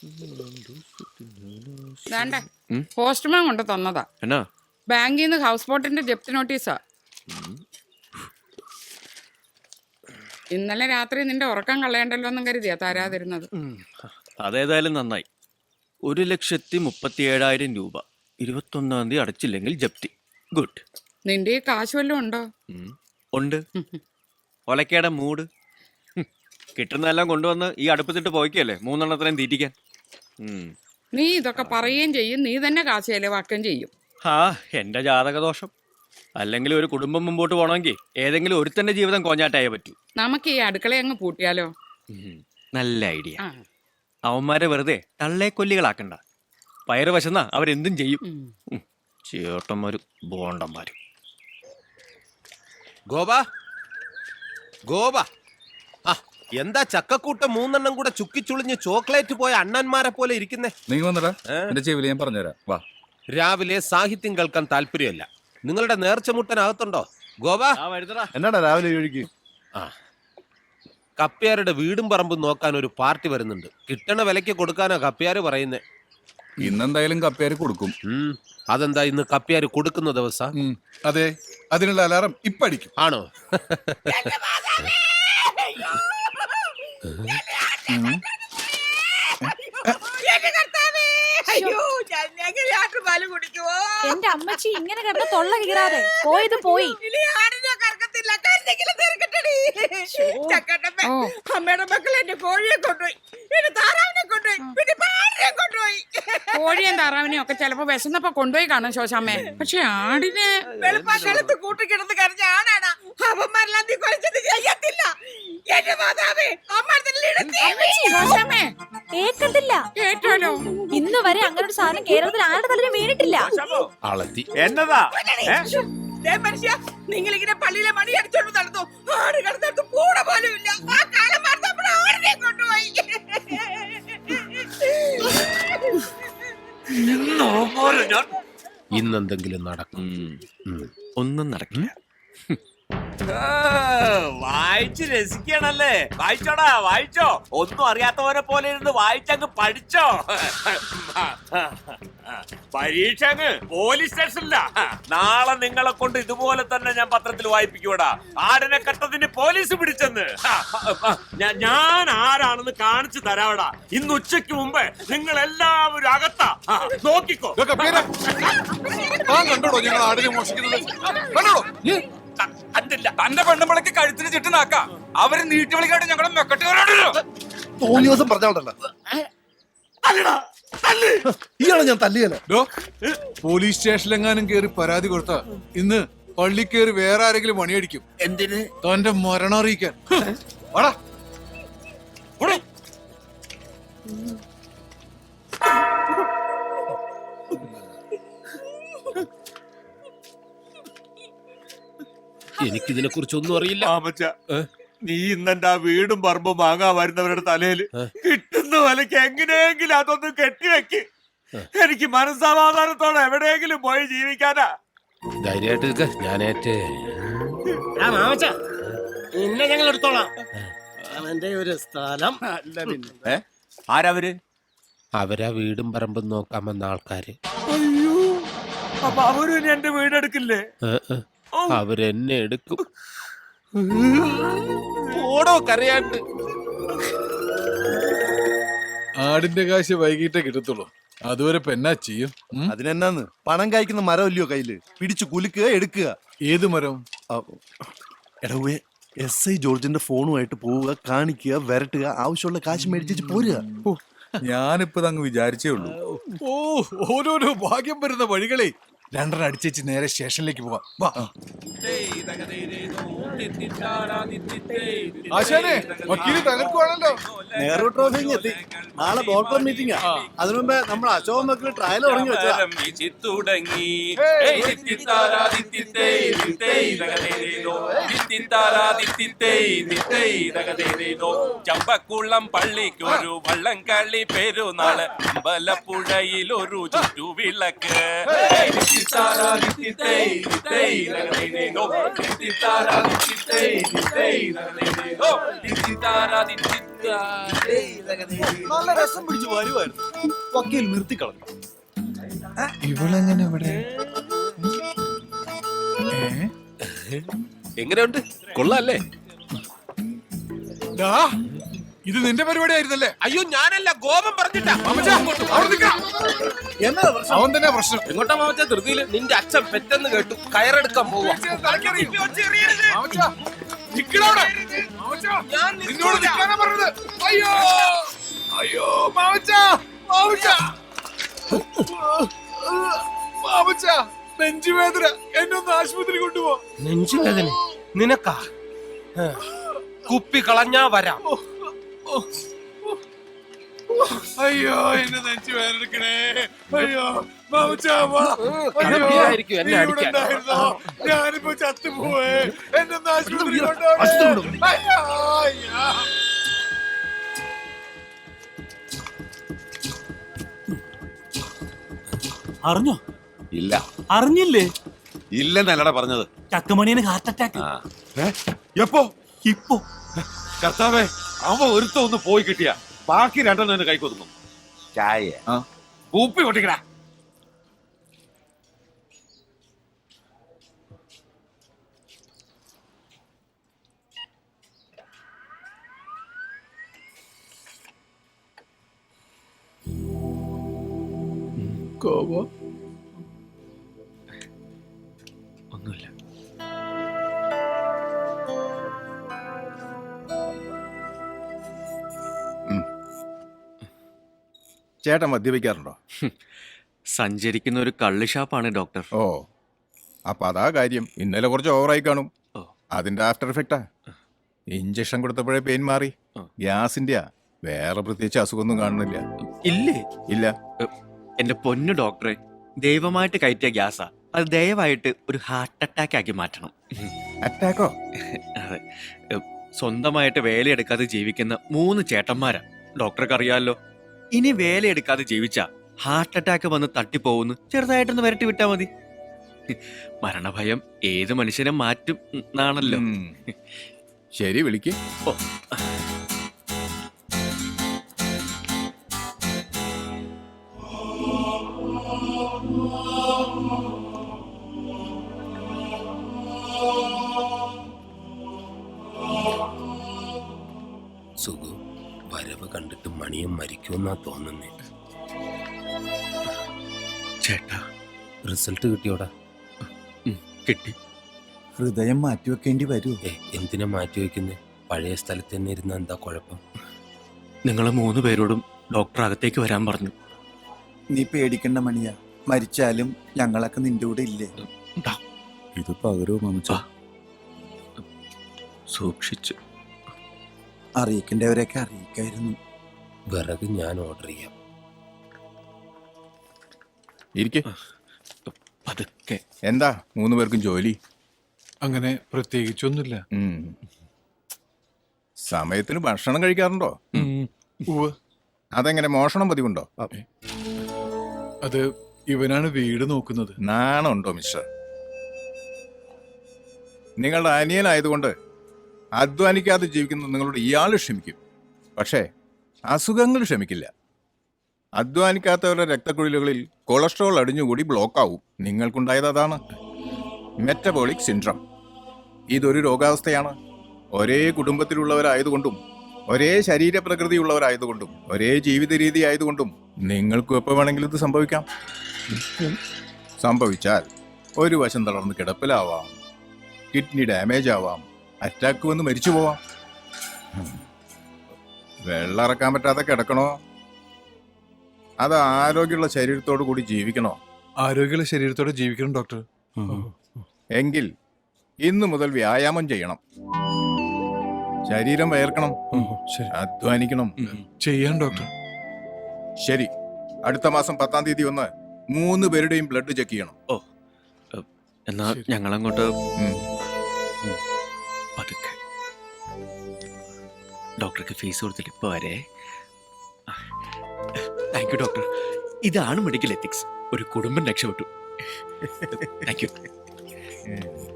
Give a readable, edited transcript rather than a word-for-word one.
Postman കൊണ്ട് തന്നതാ. എന്നാ ബാങ്കിൽ നിന്ന് ഹൗസ് ബോട്ടിന്റെ ജപ്തി നോട്ടീസാ. ഇന്നലെ രാത്രി നിന്റെ ഉറക്കം കളയണ്ടല്ലോ എന്നും കരുതിയാ തരാതിരുന്നത്. അതേതായാലും നന്നായി. 1,37,000 രൂപ 21-ാം തീയതി അടച്ചില്ലെങ്കിൽ ജപ്തി. ഗുഡ്. നിന്റെ ഈ കാശ് വല്ലതും ഉണ്ടോ? ഉണ്ട്. ഒലക്കേടെ മൂട്. കിട്ടുന്നതെല്ലാം കൊണ്ടുവന്ന് ഈ അടുപ്പത്തിട്ട് പോയിക്കല്ലേ 3 തീറ്റിക്കാൻ. നീ ഇതൊക്കെ പറയുകയും ചെയ്യും, നീ തന്നെ കാശ് ചെലവാക്കുകയും ചെയ്യും. എന്റെ ജാതകദോഷം. അല്ലെങ്കിൽ ഒരു കുടുംബം മുമ്പോട്ട് പോകണമെങ്കിൽ ഏതെങ്കിലും ഒരുത്തന്റെ ജീവിതം കോഞ്ഞാട്ടായേ പറ്റൂ. നമുക്ക് ഈ അടുക്കള അങ്ങ് പൂട്ടിയാലോ? നല്ല ഐഡിയ. അവന്മാരെ വെറുതെ തള്ളേക്കൊല്ലികളാക്കണ്ട. പയറ് വശന്നാ അവരെന്തും ചെയ്യും. ചേട്ടന്മാരും ബോണ്ടന്മാരും. ഗോപാ ഗോപാ, എന്താ ചക്കക്കൂട്ടം 3 കൂടെ ചുക്കിച്ചുളിഞ്ഞ് ചോക്ലേറ്റ് പോയ അണ്ണന്മാരെ പോലെ ഇരിക്കുന്നേ? നീ വന്നടാ, എന്റെ ചെവിയിൽ ഞാൻ പറഞ്ഞുതരാം. വാ. രാവിലെ സാഹിത്യം കേൾക്കാൻ താല്പര്യമല്ല. നിങ്ങളുടെ നേർച്ച മുട്ടനകത്തുണ്ടോ? ഗോപാ എന്നാടാ രാവിലെ ഒഴുകി? കപ്പ്യാരുടെ വീടും പറമ്പും നോക്കാൻ ഒരു പാർട്ടി വരുന്നുണ്ട്. കിട്ടണ വിലയ്ക്ക് കൊടുക്കാനാ കപ്പ്യാര് പറയുന്നേ. ഇന്നെന്തായാലും കപ്പ്യാര് കൊടുക്കും. അതെന്താ ഇന്ന് കപ്പ്യാര് കൊടുക്കുന്ന ദിവസം? അതെ, അതിനുള്ള അലാറം ഇപ്പടിക്കും. ആണോ? എന്റെ അമ്മച്ചി ഇങ്ങനെ കിടന്ന് തൊള്ള കീറാതെ പോയത് പോയി. അമ്മയുടെ മക്കൾ എന്റെ കോഴിയെ കൊണ്ടുപോയി, എന്റെ താറാവിനെ കൊണ്ടുപോയി, പിന്നെ പാടിനെ കൊണ്ടുപോയി. കോഴിയും താറാവിനെയും ഒക്കെ ചിലപ്പോ വിശന്നപ്പോ കൊണ്ടുപോയി കാണും ശോശാമ്മേ. പക്ഷെ ആടിനെ വെളുപ്പാക്കാലത്ത് കൂട്ടിക്കിടന്ന് കരഞ്ഞ ആടാണ്. അവന്മാരെല്ലാം നീ കുഴച്ചത് ചെയ്യത്തില്ല. എന്റെ മാതാവേ, കേക്കത്തില്ല. കേട്ടാലോ? ഇന്ന് വരെ അങ്ങനെ ഒരു സാധനം കേരളത്തിൽ ആരുടെ തലയിൽ വീണിട്ടില്ല. എന്നതാ മനുഷ്യ, നിങ്ങളിങ്ങനെ പള്ളിയിലെ മണി അടിച്ചോണ്ട് നടന്നു. ആട് കിടന്നിട്ട് കൂടെ പോലും ഇല്ല. ആ കാലം മാർത്തപ്പോൾ ആടിനെ കൊണ്ടുപോയി. ഇന്നെന്തെങ്കിലും നടക്കും. ഒന്നും നടക്കില്ല. വായിച്ച് രസിക്കണല്ലേ? വായിച്ചോടാ, വായിച്ചോ. ഒന്നും അറിയാത്തവരെ പോലെ ഇരുന്ന് വായിച്ചങ്ങ് പഠിച്ചോ. പരീക്ഷ അങ്ങ് പോലീസ് സ്റ്റേഷനില്ല. നാളെ നിങ്ങളെ കൊണ്ട് ഇതുപോലെ തന്നെ ഞാൻ പത്രത്തിൽ വായിപ്പിക്കൂടാ. ആടിനെ കട്ടതിന് പോലീസ് പിടിച്ചെന്ന്. ഞാൻ ആരാണെന്ന് കാണിച്ചു തരാവടാ. ഇന്ന് ഉച്ചയ്ക്ക് മുമ്പ് നിങ്ങൾ എല്ലാവരും അകത്താ. നോക്കിക്കോ. കണ്ടോടോ ഞങ്ങൾ ആടിനെ മോഷിക്കുന്നത്? കണ്ടോടോ? തന്റെ പെണ്ണുമ്പളക്ക് കഴുത്തിന് ചുറ്റുനാക്കാം. അവര് നീട്ടി വിളിക്കാണ്ട് ഞങ്ങളെ മെക്കട്ടുകാരാണല്ലോ. തോന്നിയ ദിവസം പറഞ്ഞോണ്ടല്ലോ ഇയാളെ ഞാൻ തല്ലിയല്ലോ. പോലീസ് സ്റ്റേഷനിലെങ്ങാനും കേറി പരാതി കൊടുത്ത ഇന്ന് പള്ളി കേറി വേറെ ആരെങ്കിലും പണിയടിക്കും. എന്തിന്? തന്റെ മരണം അറിയിക്കാൻ. എനിക്കിതിനെ കുറിച്ചൊന്നും അറിയില്ല. നീ ഇന്നെന്റെ ആ വീടും പറമ്പും വാങ്ങാൻ വരുന്നവരുടെ തലയിൽ കിട്ടുന്ന വിലക്ക് എങ്ങനെയെങ്കിലും അതൊന്നും കെട്ടിവെക്ക്. എനിക്ക് മനസ്സമാധാനത്തോടെ എവിടെയെങ്കിലും പോയി ജീവിക്കാനാ. ധൈര്യമായിട്ട് ഞാനേറ്റ് നിന്നെ ഞങ്ങൾ എടുത്തോളാം. അവന്റെ ഒരു സ്ഥലം അല്ല. പിന്നെ ആരവര്? അവരാ വീടും പറമ്പും നോക്കാൻ വന്ന ആൾക്കാര്. അയ്യോ, അപ്പൊ അവരും എന്റെ വീടെടുക്കില്ലേ? അവരെന്നെ എടുക്കും. ഓടോ കരയാണ്ട്. ആടിന്റെ കാശ് വൈകിട്ടേ കിട്ടത്തുള്ളൂ. അതുവരെ പെന്നാ ചെയ്യും. അതിനെന്നാന്ന്, പണം കായ്ക്കുന്ന മരം ഇല്ലയോ കയ്യില്? പിടിച്ചു കുലുക്കുക, എടുക്കുക. ഏത് മരം? എടവേ, SI ജോർജിന്റെ ഫോണുമായിട്ട് പോവുക, കാണിക്കുക, വരട്ടുക, ആവശ്യമുള്ള കാശ് മേടിച്ചു പോരുക. ഞാനിപ്പോ അങ്ങ് വിചാരിച്ചേ ഉള്ളൂ. ഓരോരോ ഭാഗ്യം വരുന്ന വഴികളെ. 2 അടിച്ചേച്ച് നേരെ സ്റ്റേഷനിലേക്ക് പോവാം. വാ. ആശാനെ, വക്കീല് തകർക്കുവാണല്ലോ. നെഹ്റു ട്രോഫി എത്തി. നാളെ ബോർഡ് ക്ലബ് മീറ്റിംഗാ. അതിനു മുമ്പേ നമ്മൾ അശോക് മക്കള് ട്രയൽ തുടങ്ങി വെച്ചാ. ചമ്പക്കുളം പള്ളിക്കൊരു വള്ളംകളി പെരുന്നാള്, അമ്പലപ്പുഴയിലൊരു ചുറ്റുവിളക്ക്. നല്ല രസം പിടിച്ച് വരുമായിരുന്നു. വക്കീൽ നിർത്തിക്കളഞ്ഞു. ഇവളെങ്ങനെ ഇവിടെ? എങ്ങനെയുണ്ട്? കൊള്ളാല്ലേ? ഇത് നിന്റെ പരിപാടി ആയിരുന്നല്ലേ? അയ്യോ ഞാനല്ല, ഗോപം പറഞ്ഞിട്ടാ. എന്നാ പ്രശ്നം? അവൻ തന്നെ പ്രശ്നം. എങ്ങോട്ടാ മാമച്ച? ധൃതിയില് നിന്റെ അച്ഛൻ പെട്ടെന്ന് കേട്ടു, കയറെടുക്കാൻ പോവാ. നിന്നോട് നിൽക്കാനാ പറഞ്ഞത്. അയ്യോ അയ്യോ മാമച്ച, മാമച്ച, മാമച്ച, നെഞ്ചുവേദന, എന്നൊന്ന് ആശുപത്രി കൊണ്ടുപോ. നെഞ്ചുവേദന നിനക്കാ? കുപ്പി കളഞ്ഞാ വരാം. അയ്യോ എന്നെ നെഞ്ചു വേദനിക്കണേ. അയ്യോ മാമച്ച, കടപ്പിലായിരിക്കും എന്നെ അടിക്കാൻ. ഞാനിപ്പോ ചത്തുപോവേ. എന്നൊന്ന് ആശുപത്രി കൊണ്ടുപോകണം. അയ്യോ അയ്യോ. അറിഞ്ഞോ? ഇല്ല, അറിഞ്ഞില്ലേ? ഇല്ലെന്നല്ലടാ പറഞ്ഞത്. ചക്കമണിയന് ഹാർട്ട് അറ്റാക്ക്. എപ്പോ? ഇപ്പൊ കർത്താവേ, അവ ഒരുത്ത ഒന്ന് പോയി കിട്ടിയ ബാക്കി രണ്ടെണ്ണം എന്നെ കൈക്കൊതുങ്ങും. ചായ കൂപ്പി പൊട്ടിക്കടാ. ഒന്നുമില്ല. ചേട്ടൻ മദ്യപിക്കാറുണ്ടോ? സഞ്ചരിക്കുന്ന ഒരു കള്ള് ഷാപ്പാണ് ഡോക്ടർ. ഓ, അപ്പൊ അതാ കാര്യം. ഇന്നലെ കുറച്ച് ഓവറായി കാണും. ഓ. അതിന്റെ ആഫ്റ്റർ എഫക്റ്റാ. ഇഞ്ചക്ഷൻ കൊടുത്തപ്പോഴേ പെയിൻ മാറി. ഗ്യാസിന്റെയാ, വേറെ പ്രത്യേകിച്ച് അസുഖമൊന്നും കാണുന്നില്ല. ഇല്ലേ? ഇല്ല. എന്റെ പൊന്നു ഡോക്ടറെ, ദൈവമായിട്ട് കയറ്റിയ ഗ്യാസാ. അത് ദയവായിട്ട് ഒരു ഹാർട്ട് അറ്റാക്ക് ആക്കി മാറ്റണം. അറ്റാക്കോ? അതെ. സ്വന്തമായിട്ട് വേലയെടുക്കാതെ ജീവിക്കുന്ന 3 ചേട്ടന്മാരാ. ഡോക്ടർക്ക് അറിയാമല്ലോ. ഇനി വേലയെടുക്കാതെ ജീവിച്ച ഹാർട്ട് അറ്റാക്ക് വന്ന് തട്ടിപ്പോവുന്നു. ചെറുതായിട്ടൊന്ന് വരട്ടി വിട്ടാ മതി. മരണഭയം ഏത് മനുഷ്യനെ മാറ്റും എന്നാണല്ലോ. ശരി, വിളിക്ക്. ഓ. സുഖു, വരവ് കണ്ടിട്ട് മണിയും മരിക്കുമെന്നാ തോന്നുന്നേ. ചേട്ടാ, റിസൾട്ട് കിട്ടിയോടാ? കിട്ടി. ഹൃദയം മാറ്റിവെക്കേണ്ടി വരൂ. എന്തിനാ മാറ്റി വെക്കുന്നേ? പഴയ സ്ഥലത്ത് തന്നെ ഇരുന്ന എന്താ കുഴപ്പം? നിങ്ങൾ 3 പേരോടും ഡോക്ടർ അകത്തേക്ക് വരാൻ പറഞ്ഞു. നീ പേടിക്കണ്ട മണിയാ, മരിച്ചാലും ഞങ്ങളൊക്കെ നിന്റെ കൂടെ ഇല്ലേ? ഇത് പകരോ മമച്ച? സൂക്ഷിച്ചു. അറിയിക്കേണ്ടവരെയൊക്കെ അറിയിക്കായിരുന്നു. വിറക് ഞാൻ ഓർഡർ ചെയ്യാം. ഇരിക്കെ. പതുക്കെ. എന്താ 3 പേർക്കും ജോലി? അങ്ങനെ പ്രത്യേകിച്ചൊന്നുമില്ല. സമയത്തിന് ഭക്ഷണം കഴിക്കാറുണ്ടോ? ഉവ്വ്. അതെങ്ങനെ, മോഷണം പതിവുണ്ടോ? അത് ഇവനാണ് വീട് നോക്കുന്നത്. നാണുണ്ടോ മിസ്റ്റർ? നിങ്ങളുടെ അനിയനായതുകൊണ്ട് അധ്വാനിക്കാതെ ജീവിക്കുന്ന നിങ്ങളോട് ഇയാൾ ക്ഷമിക്കും. പക്ഷേ അസുഖങ്ങൾ ക്ഷമിക്കില്ല. അധ്വാനിക്കാത്തവരുടെ രക്തക്കുഴലുകളിൽ കൊളസ്ട്രോൾ അടിഞ്ഞുകൂടി ബ്ലോക്കാവും. നിങ്ങൾക്കുണ്ടായത് അതാണ്, മെറ്റബോളിക് സിൻഡ്രം. ഇതൊരു രോഗാവസ്ഥയാണ്. ഒരേ കുടുംബത്തിലുള്ളവരായതുകൊണ്ടും ഒരേ ശരീരപ്രകൃതിയുള്ളവരായതുകൊണ്ടും ഒരേ ജീവിത രീതി ആയതുകൊണ്ടും നിങ്ങൾക്കും എപ്പോൾ വേണമെങ്കിലും ഇത് സംഭവിക്കാം. സംഭവിച്ചാൽ ഒരു വശം തളർന്ന് കിടപ്പിലാവാം, കിഡ്നി ഡാമേജ് ആവാം, അറ്റാക്ക് വന്ന് മരിച്ചു പോവാം. വെള്ളം ഇറക്കാൻ പറ്റാതെ കിടക്കണോ, അത് ആരോഗ്യമുള്ള ശരീരത്തോടു കൂടി ജീവിക്കണോ? ആരോഗ്യമുള്ള ശരീരത്തോടെ ജീവിക്കണം ഡോക്ടർ. എങ്കിൽ ഇന്നു മുതൽ വ്യായാമം ചെയ്യണം. ശരീരം വയർക്കണം, അധ്വാനിക്കണം. ചെയ്യാൻ ഡോക്ടർ. ശരി, അടുത്ത മാസം 10-ാം തീയതി വന്ന് 3 പേരുടെയും ബ്ലഡ് ചെക്ക് ചെയ്യണം. ഓ, എന്നാ ഞങ്ങളങ്ങോട്ട് പതുക്കെ. ഡോക്ടർക്ക് ഫീസ് കൊടുത്തിട്ട് ഇപ്പൊ വരെ. Thank you doctor. ഇതാണ് മെഡിക്കൽ എത്തിക്സ്. ഒരു കുടുംബം രക്ഷപ്പെട്ടു. Thank U.